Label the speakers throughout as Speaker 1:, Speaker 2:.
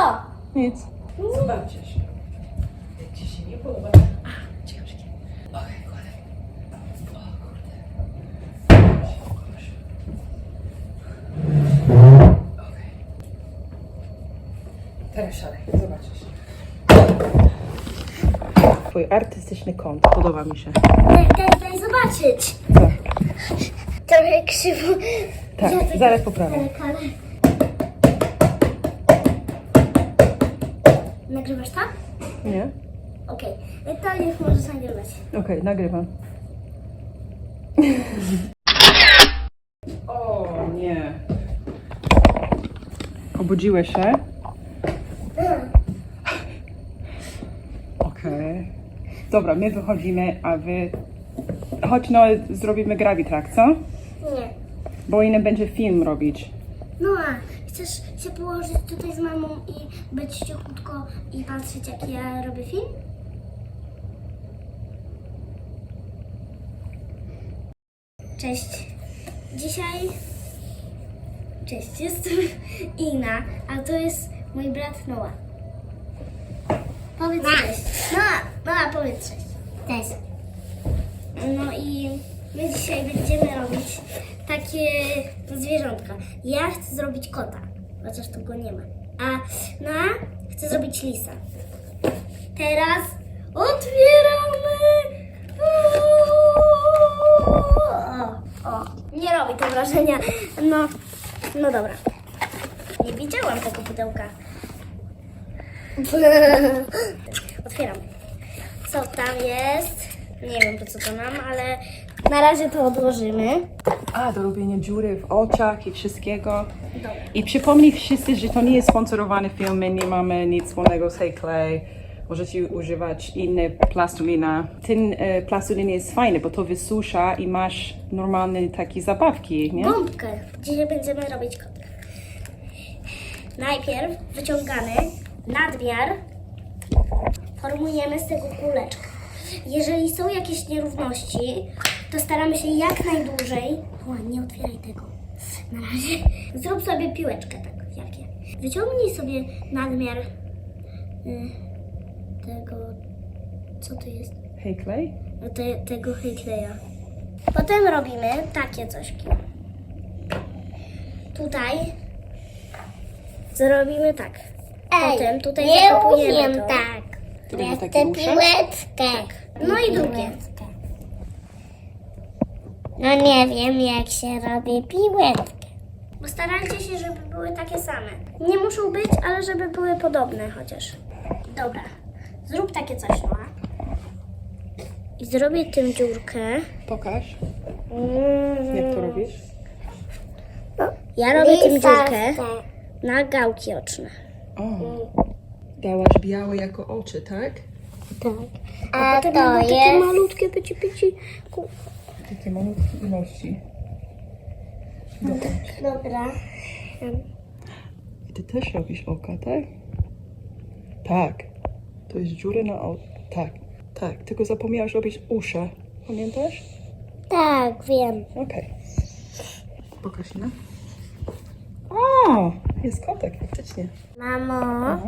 Speaker 1: Co?
Speaker 2: Nic.
Speaker 3: Zobaczcie się. Jak ci się nie podoba. Ciekawe. Okej, kładę. O kurde. Proszę. Okej. Teraz szalej, zobaczysz. Twój artystyczny kąt, podoba mi się.
Speaker 1: Daj zobaczyć.
Speaker 2: Co?
Speaker 1: Trochę krzywo.
Speaker 2: Tak, zaraz poprawię.
Speaker 1: Nagrywasz to?
Speaker 2: Nie?
Speaker 1: Okej. To już możesz nagrywać.
Speaker 2: Okej, nagrywam. O nie. Obudziłeś się? Okej. Dobra, my wychodzimy, a wy... Chodź no, zrobimy Gravitrack, co?
Speaker 1: Nie.
Speaker 2: Bo inny będzie film robić.
Speaker 1: No a chcesz się położyć tutaj z mamą i być cichutko i patrzeć, jak ja robię film? Cześć. Dzisiaj... Cześć, jestem Ina, a to jest mój brat Noah. Powiedz cześć. Noah, powiedz cześć. Cześć. No i my dzisiaj będziemy robić takie zwierzątka. Ja chcę zrobić kota, chociaż tu go nie ma. A Noah chce zrobić lisa. Teraz otwieramy! O, nie robi to wrażenia. No dobra. Nie widziałam tego pudełka. Otwieram. Co tam jest? Nie wiem po co to nam, ale na razie to odłożymy.
Speaker 2: A, do robienia dziury w oczach i wszystkiego. I przypomnij wszyscy, że to nie jest sponsorowany film, my nie mamy nic wspólnego z Hey Clay. Możecie używać inne plastelina. Ten plastelin jest fajny, bo to wysusza i masz normalne takie zabawki, nie?
Speaker 1: Bombkę. Dzisiaj będziemy robić kota. Najpierw wyciągamy nadmiar, formujemy z tego kuleczkę. Jeżeli są jakieś nierówności, to staramy się jak najdłużej... O, nie otwieraj tego. Na razie. Zrób sobie piłeczkę tak, jakie. Wyciągnij sobie nadmiar tego... Co to jest?
Speaker 2: Hey Clay?
Speaker 1: Tego Hekleja. Potem robimy takie cośki. Tutaj zrobimy tak. Potem tutaj zakopujemy to.
Speaker 4: tak.
Speaker 2: To będzie
Speaker 4: Ja
Speaker 2: takie
Speaker 4: chcę
Speaker 2: uszy?
Speaker 4: piłeczkę.
Speaker 1: No i drugie.
Speaker 4: No nie wiem, jak się robi piłeczkę.
Speaker 1: Postarajcie się, żeby były takie same. Nie muszą być, ale żeby były podobne chociaż. Dobra. Zrób takie coś, no. I zrobię tym dziurkę.
Speaker 2: Pokaż, jak to robisz.
Speaker 1: Ja robię tym dziurkę
Speaker 4: Lisawkę.
Speaker 1: na gałki oczne.
Speaker 2: O, dałaś białe jako oczy, tak?
Speaker 1: Tak.
Speaker 4: A
Speaker 1: Potem
Speaker 4: to
Speaker 1: będą takie
Speaker 4: jest...
Speaker 1: malutkie, pyci.
Speaker 2: Takie malutkie ilości.
Speaker 4: Dobra.
Speaker 2: I ty też robisz oka, tak? Tak. To jest dziura na oko. Tak, tak. Tylko zapomniałaś robić uszy. Pamiętasz?
Speaker 4: Tak, wiem.
Speaker 2: Okej. Pokaż, no. O, jest kotek, faktycznie.
Speaker 4: Mamo,
Speaker 2: Aha.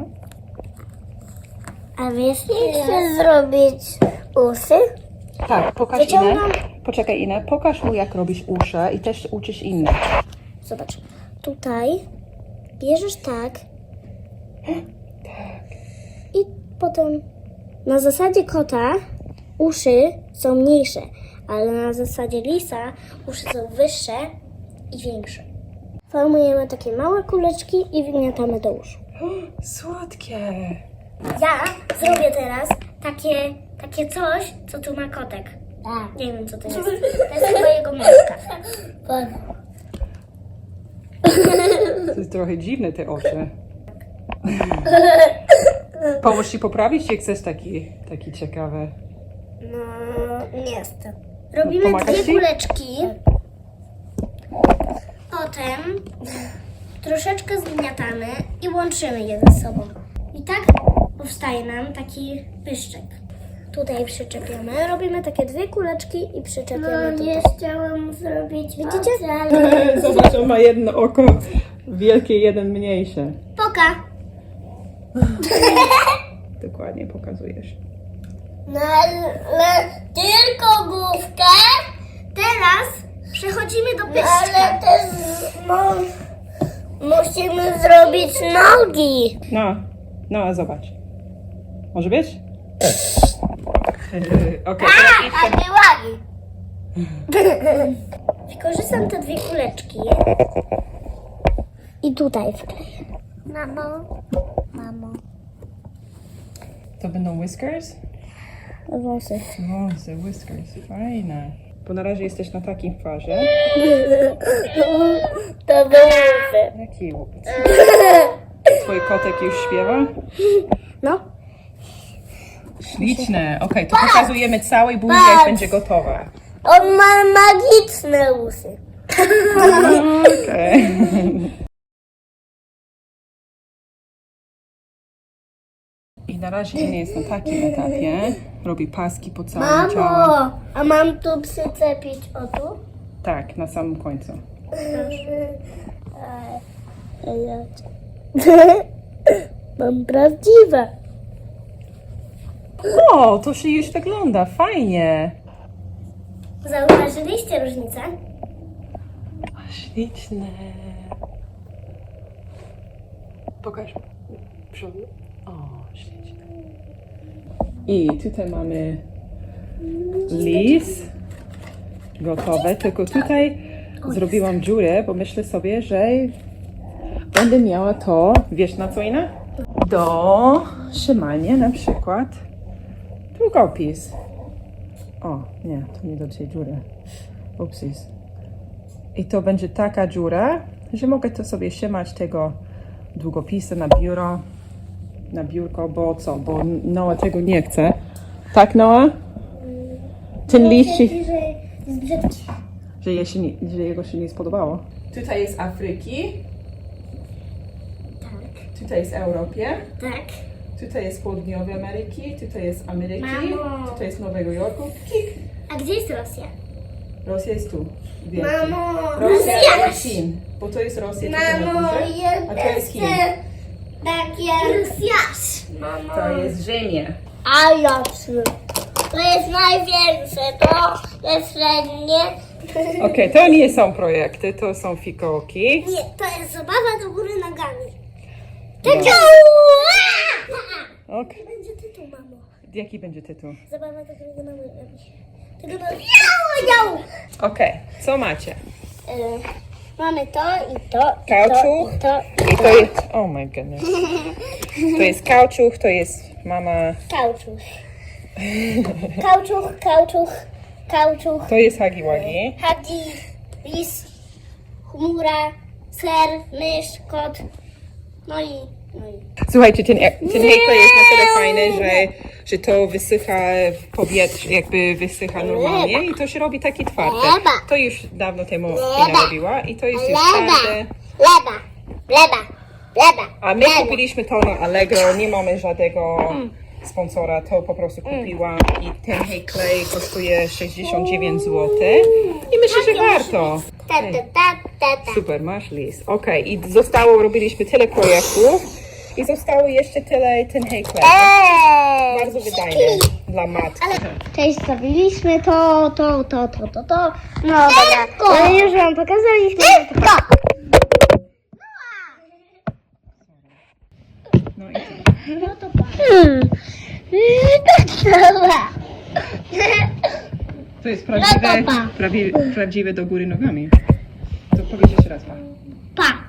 Speaker 4: a wiesz, jak chcę zrobić uszy?
Speaker 2: Tak, pokaż
Speaker 1: Wyciągam.
Speaker 2: Inę. Poczekaj Inę, pokaż mu jak robisz uszy i też uczysz innych.
Speaker 1: Zobacz. Tutaj bierzesz tak. I potem na zasadzie kota uszy są mniejsze, ale na zasadzie lisa uszy są wyższe i większe. Formujemy takie małe kuleczki i wgniatamy do uszu.
Speaker 2: Słodkie.
Speaker 1: Ja zrobię teraz takie coś, co tu ma kotek.
Speaker 4: Tak.
Speaker 1: Nie wiem co to jest. To jest chyba jego myszka.
Speaker 2: To jest trochę dziwne te oczy. Pomóż ci poprawić, czy chcesz taki ciekawy?
Speaker 1: No, nie jestem. Robimy
Speaker 2: Pomagasz
Speaker 1: dwie
Speaker 2: ci?
Speaker 1: kuleczki. Potem troszeczkę zgniatamy i łączymy je ze sobą. I tak powstaje nam taki pyszczek. Tutaj przyczepiamy. Robimy takie dwie kuleczki i przyczepiamy tutaj.
Speaker 4: chciałam zrobić
Speaker 1: Widzicie?
Speaker 2: Zobacz, on ma jedno oko wielkie, jeden mniejsze.
Speaker 1: Poka!
Speaker 2: Dokładnie pokazujesz.
Speaker 1: No ale tylko główkę. Teraz przechodzimy do pyszczka. Ale też musimy zrobić nogi.
Speaker 2: No, a zobacz. Może być? Okej,
Speaker 1: Takie łagi. Wykorzystam te dwie kuleczki. I tutaj wkleję. Mamo.
Speaker 2: to będą whiskers?
Speaker 1: Wąsy.
Speaker 2: Wąsy, whiskers, fajne. Bo na razie jesteś na takim farze.
Speaker 1: To wąsy.
Speaker 2: Jaki? Twój kotek już śpiewa?
Speaker 1: No.
Speaker 2: Śliczne. Okej, to pokazujemy całej buzi, jak będzie gotowa.
Speaker 1: On ma magiczne usy.
Speaker 2: Okej. I na razie nie jest na takim etapie. Robi paski po całym ciału.
Speaker 1: Mamo, a mam tu przyczepić o tu?
Speaker 2: Tak, na samym końcu.
Speaker 1: Mam prawdziwe.
Speaker 2: O, to się już wygląda, fajnie.
Speaker 1: Zauważyliście różnicę?
Speaker 2: Śliczne. Pokaż przodu. O, śliczne. I tutaj mamy lis gotowe, tylko tutaj zrobiłam dziurę, bo myślę sobie, że będę miała to, wiesz na co inne? Do trzymania na przykład długopis. O, nie, to nie do tej dziury. Upsis. I to będzie taka dziura, że mogę to sobie trzymać tego długopisu na biuro, na biurko, bo co? Bo Noa tego nie chce. Tak, Noa? Ten liść,
Speaker 1: Że jest brzydki.
Speaker 2: że jego się nie spodobało. Tutaj jest Afryki,
Speaker 1: Tak.
Speaker 2: tutaj jest Europie,
Speaker 1: Tak.
Speaker 2: tutaj jest Południowej Ameryki, tutaj jest Ameryki,
Speaker 1: Mamo.
Speaker 2: tutaj jest Nowego Jorku. Kik.
Speaker 1: A gdzie jest Rosja?
Speaker 2: Rosja jest tu. Wielki.
Speaker 1: Mamo,
Speaker 2: Rosja i Chin, bo to jest Rosja tutaj na
Speaker 1: Mamo,
Speaker 2: górze,
Speaker 1: ja
Speaker 2: a to jest Chin.
Speaker 1: takie Rosjasz. Mamo.
Speaker 2: To jest Ziemia.
Speaker 1: A ja trzy. To jest największe, to jest średnie.
Speaker 2: Okej, to nie są projekty, to są fikołki.
Speaker 1: Nie, to jest zabawa do góry nogami.
Speaker 2: Dobra.
Speaker 1: Tak.
Speaker 2: Ok.
Speaker 1: Będzie tytuł, mamo.
Speaker 2: Jaki będzie tytuł?
Speaker 1: Zabawa do góry nogami. Tego do... Jau!
Speaker 2: Okej, co macie?
Speaker 1: Mamy to i to.
Speaker 2: Kauczuch.
Speaker 1: I to.
Speaker 2: I to jest... Oh my goodness. To jest kauczuch, to jest mama...
Speaker 1: Kauczuch. Kauczuch, kauczuch, kauczuch.
Speaker 2: To jest Hagi Wagi.
Speaker 1: Hagi, lis, chmura, ser, mysz, kot. No i...
Speaker 2: Słuchajcie, ten hejklej jest na tyle fajny, że to wysycha w powietrzu, jakby wysycha normalnie i to się robi takie twarde. To już dawno temu Ina robiła i to jest już twarde.
Speaker 1: Leba.
Speaker 2: A my kupiliśmy to na Allegro, nie mamy żadnego sponsora, to po prostu kupiłam i ten hejklej kosztuje 69 zł i myślę, że warto. Super, masz list. Okej, i robiliśmy tyle projektów i zostało jeszcze tyle ten hejklej. Bardzo wydajny dla matki.
Speaker 1: Cześć, zrobiliśmy to. No dobra, no już wam pokazaliśmy.
Speaker 2: No i co?
Speaker 1: Dobra.
Speaker 2: To jest prawdziwe do góry nogami. To powiedz jeszcze raz.
Speaker 1: Pa.